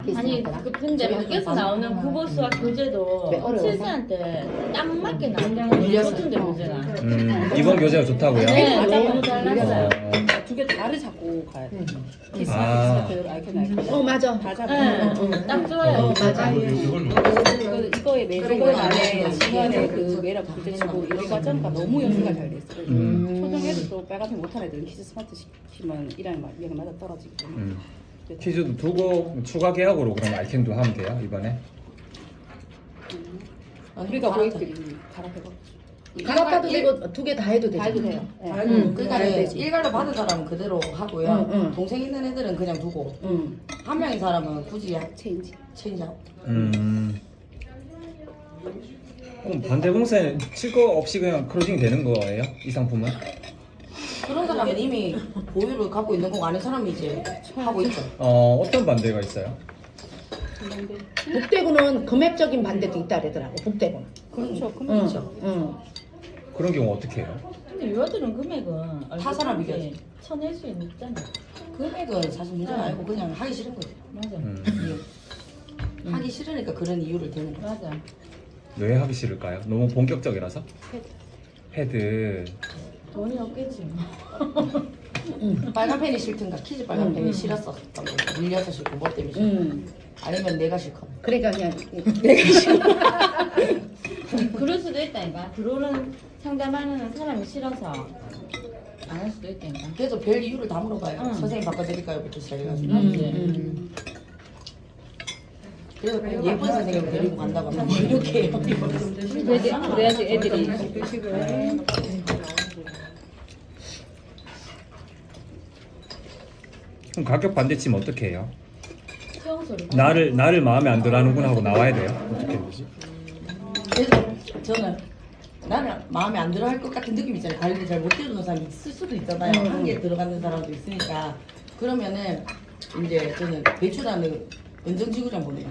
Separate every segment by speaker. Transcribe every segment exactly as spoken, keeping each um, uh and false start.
Speaker 1: 아니 그 근데 밖에서 나오는 국어수와 교재도 실생한테 딱 맞게 나온다는 같은데 교재가.
Speaker 2: 음, 이번 교재가 좋다고요?
Speaker 1: 네, 너무 잘 나왔어요.
Speaker 3: 두개 다를 잡고 가야 돼. 키스,
Speaker 2: 아.
Speaker 3: 키스, 아이콘, 아이콘.
Speaker 4: 어 맞아.
Speaker 3: 다 잡고.
Speaker 1: 네, 딱 좋아요.
Speaker 4: 어, 맞아.
Speaker 3: 그 이거의 매력은 안에 중간에 그 매력 부딪히고 이 과정과 너무 연수가 잘 됐어요.
Speaker 2: 음.
Speaker 3: 초등 애들도 빨간색 못하는 애들은 키즈 스마트 시키면 일하는 위험이 맞아 떨어지고.
Speaker 2: 음. 퀴즈도 두고 추가 계약으로 그럼 아이캔도 하면 돼요 이번에?
Speaker 3: 우리가 고객들이 갈아펴고.
Speaker 4: 갈아타도 되고 두 개 다 해도 되죠.
Speaker 3: 다 해도 돼요. 네.
Speaker 4: 응,
Speaker 5: 그러니까
Speaker 4: 해야 되지.
Speaker 5: 일괄로 받은 사람은 그대로 하고요.
Speaker 4: 응, 응.
Speaker 5: 동생 있는 애들은 그냥 두고
Speaker 4: 응.
Speaker 5: 한 명인 사람은 굳이
Speaker 3: 체인지.
Speaker 5: 체인지하고.
Speaker 2: 음. 그럼 반대봉사는 칠거 없이 그냥 크로징이 되는 거예요? 이 상품은?
Speaker 5: 그런 사람은 이미 보유를 갖고 있는 거고 아닌 사람이 이제 하고 있죠.
Speaker 2: 어, 어떤 반대가 있어요?
Speaker 4: 북대구는 금액적인 반대도 있다 그러더라고. 북대구는.
Speaker 5: 그렇죠.
Speaker 4: 응.
Speaker 5: 그렇죠.
Speaker 4: 응.
Speaker 2: 그런 경우 어떻게 해요?
Speaker 1: 근데 요들은 금액은
Speaker 5: 타 사람 이겨야지.
Speaker 1: 쳐낼 수 있잖아.
Speaker 5: 금액은 사실 문제가 아니고 그냥 하기 싫은 거죠.
Speaker 1: 맞아.
Speaker 2: 음.
Speaker 5: 이유. 하기 싫으니까 그런 이유를 대는 거죠.
Speaker 1: 맞아.
Speaker 2: 왜 하기 싫을까요? 너무 본격적이라서? 패드.
Speaker 1: 돈이 없겠지.
Speaker 5: 빨간 펜이 싫든가 키즈 빨간
Speaker 4: 음,
Speaker 5: 펜이
Speaker 4: 음.
Speaker 5: 싫었어. 밀려서 싫고 뭐 때문에 싫고.
Speaker 4: 응.
Speaker 5: 아니면 내가 싫고.
Speaker 4: 그러니까 그냥
Speaker 1: 그럴 수도 있다니까. 들어오는 상담하는 사람이 싫어서 안 할 수도 있다니까.
Speaker 5: 그래서 별 이유를 다 물어봐요.
Speaker 1: 응.
Speaker 5: 선생님 바꿔드릴까요?부터 시작해가지고.
Speaker 4: 음,
Speaker 1: 맞지.
Speaker 4: 음.
Speaker 5: 그래서 그냥 예쁜 선생님을 데리고 간다고 하면 뭐 이렇게 해요.
Speaker 3: 그래야지 애들이.
Speaker 2: 그럼 가격 반대치면 어떻게 해요?
Speaker 1: 수영소리.
Speaker 2: 나를 나를 마음에 안 들어하는구나 하고 나와야 돼요? 어떻게 해야 되지?
Speaker 5: 그래서 저는 나는 마음에 안 들어 할 것 같은 느낌 있잖아요. 관리를 잘 못 해주는 사람이 있을 수도 있잖아요.
Speaker 4: 음.
Speaker 5: 한 개 들어가는 사람도 있으니까. 그러면은 이제 저는 배출하는 은정지구장 보내요.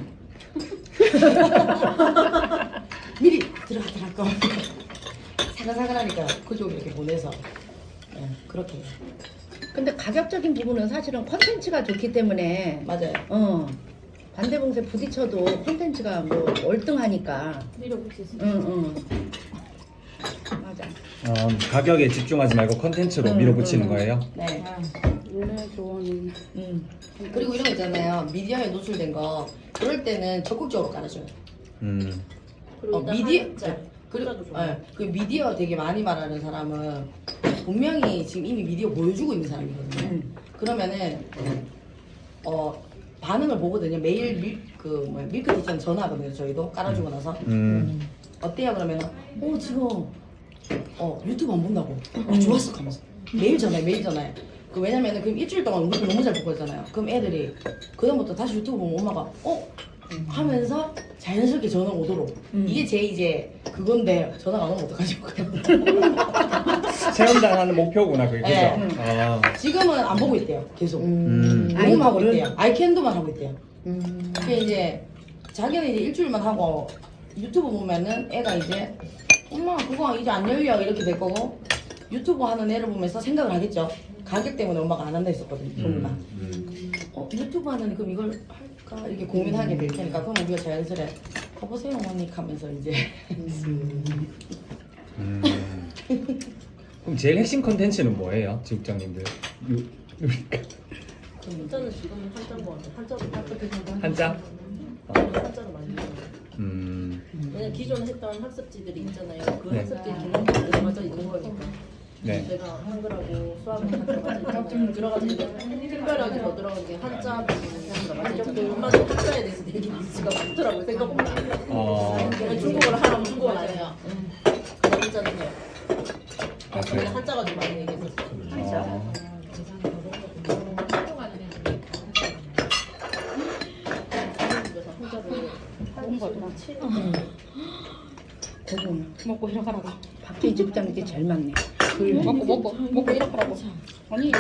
Speaker 5: 미리 들어가더라고. 사근사근하니까 그쪽으로 이렇게 보내서 네, 그렇게 해요.
Speaker 4: 근데 가격적인 부분은 사실은 컨텐츠가 좋기 때문에
Speaker 5: 맞아요.
Speaker 4: 어 반대봉쇄 부딪혀도 컨텐츠가 뭐 월등하니까.
Speaker 1: 밀어붙일 수 있어.
Speaker 4: 응, 응. 맞아.
Speaker 2: 어, 가격에 집중하지 말고 컨텐츠로
Speaker 4: 음,
Speaker 2: 밀어붙이는
Speaker 4: 음.
Speaker 2: 거예요?
Speaker 5: 네.
Speaker 3: 원래 좋아하는.
Speaker 4: 응.
Speaker 5: 그리고 이런 거 있잖아요. 미디어에 노출된 거 그럴 때는 적극적으로 깔아줘요.
Speaker 2: 음.
Speaker 5: 어, 미디어
Speaker 1: 한자.
Speaker 5: 그리고
Speaker 1: 한자도 좋아요.
Speaker 5: 예, 그 미디어 되게 많이 말하는 사람은 분명히 지금 이미 미디어 보여주고 있는 사람이거든요.
Speaker 4: 음.
Speaker 5: 그러면은 어 반응을 보거든요. 매일 밀, 그 뭐야, 밀크티처럼 전화하거든요. 저희도 깔아주고 나서
Speaker 2: 음.
Speaker 5: 어때요? 그러면은 어 지금 어 유튜브 안 본다고 어, 좋았어 하면서 매일 전화해 매일 전화해. 그 왜냐면은 그럼 일주일 동안 우리 너무 잘 보고 있잖아요. 그럼 애들이 그다음부터 다시 유튜브 보면 엄마가 어 하면서 자연스럽게 전화 오도록
Speaker 4: 음.
Speaker 5: 이게 제 이제 그건데 전화가 안 오면 어떡하지?
Speaker 2: 체험당하는 목표구나 그게
Speaker 5: 네.
Speaker 2: 그죠? 아.
Speaker 5: 지금은 안 보고 있대요. 계속
Speaker 2: 음.
Speaker 5: 녹음 하고
Speaker 4: 아이콘을?
Speaker 5: 있대요. 아이캔도만 하고 있대요.
Speaker 4: 음.
Speaker 5: 그게 이제 자기는 이제 일주일만 하고 유튜브 보면은 애가 이제 엄마 그거 이제 안 열려 이렇게 될 거고 유튜브 하는 애를 보면서 생각을 하겠죠. 가격 때문에 엄마가 안 한다 했었거든요. 전부 다.
Speaker 2: 음.
Speaker 5: 어 유튜브 하는 그럼 이걸 할까 이렇게 고민하게 될 테니까 그럼 우리가 자연스레 가보세요 어머니 하면서 이제
Speaker 2: 음. 그럼 제일 핵심 컨텐츠는 뭐예요? 지국장님들? 요-
Speaker 1: 한자는 지금 한자 뭐 한자도 딱
Speaker 2: 한자? 어.
Speaker 1: 한자로 만들고.
Speaker 2: 음.
Speaker 1: 왜냐 기존에 했던 학습지들이 있잖아요. 그
Speaker 2: 네.
Speaker 1: 학습지 기능이 들어가져 있는 거니까.
Speaker 2: 네.
Speaker 1: 내가 한글하고 수학을 다 들어가져 있잖아요. 들어가져 있는 특별하게 더 들어간 게 한자 부분이 들어가져 있잖아요. 엄마도 한자에 대해서 되게 니즈가 많더라고요. 생각보다.
Speaker 2: 어.
Speaker 1: 중국어를 하라면 중국어는 아니에요. 그냥 한자는 해요.
Speaker 2: 아,
Speaker 1: 그래서
Speaker 2: 그래요?
Speaker 1: 원래 한자가 좀 많이 얘기했었어요.
Speaker 2: 어.
Speaker 1: 그래서 한자를
Speaker 3: 먹은 거구나.
Speaker 4: 대본.
Speaker 3: 먹고 일어가라고.
Speaker 4: 박재희 집장님께 제일 많네.
Speaker 3: 먹고 먹고 먹고 일어가라고. 아니.